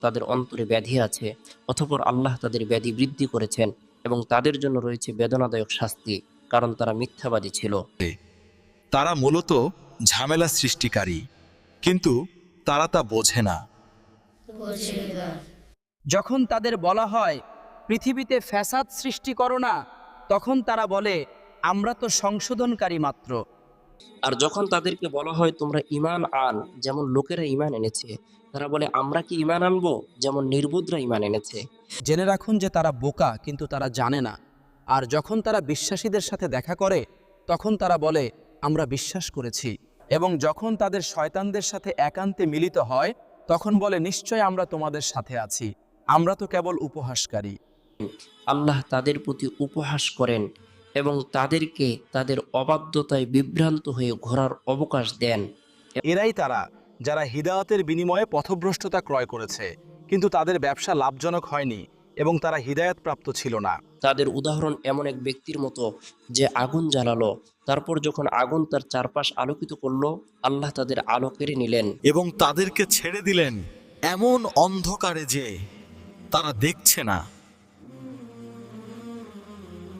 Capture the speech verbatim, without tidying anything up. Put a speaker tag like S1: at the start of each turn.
S1: তাদের অন্তরে ব্যাধি আছে, অতঃপর আল্লাহ তাদের ব্যাধি বৃদ্ধি করেছেন এবং তাদের জন্য রয়েছে বেদনাদায়ক শাস্তি, কারণ তারা মিথ্যাবাদী ছিল।
S2: তারা মূলত ঝামেলা সৃষ্টিকারী, কিন্তু তারা তা বোঝে না।
S3: যখন তাদের বলা হয় পৃথিবীতে ফ্যাসাদ সৃষ্টি করো না, তখন তারা বলে আমরা তো সংশোধনকারী মাত্র।
S1: আর যখন তাদেরকে বলা হয় তোমরা ঈমান আন, যেমন লোকেরা ঈমান এনেছে, তারা বলে আমরা কি ঈমান আনবো যেমন নির্বুদরা ঈমান এনেছে।
S3: জেনে রাখুন যে তারা বোকা, কিন্তু তারা জানে না। আর যখন তারা বিশ্বাসীদের সাথে দেখা করে, তখন তারা বলে আমরা বিশ্বাস করেছি, এবং যখন তাদের শয়তানদের সাথে একান্তে মিলিত হয়, তখন বলে নিশ্চয় আমরা তোমাদের সাথে আছি, আমরা তো কেবল উপহাসকারী।
S1: আল্লাহ তাদের প্রতি উপহাস করেন এবং তাদেরকে তাদের অবাধ্যতায় বিভ্রান্ত হয়ে ঘোরার অবকাশ দেন।
S4: এরাই তারা যারা হিদায়াতের বিনিময়ে পথভ্রষ্টতা ক্রয় করেছে, কিন্তু তাদের ব্যবসা লাভজনক হয়নি এবং তারা হিদায়াত প্রাপ্ত ছিল না।
S1: তাদের উদাহরণ এমন এক ব্যক্তির মতো যে আগুন জ্বালালো, তারপর যখন আগুন তার চারপাশ আলোকিত করলো, আল্লাহ তাদের আলো কেড়ে নিলেন
S2: এবং তাদেরকে ছেড়ে দিলেন এমন অন্ধকারে যে তারা দেখছে না।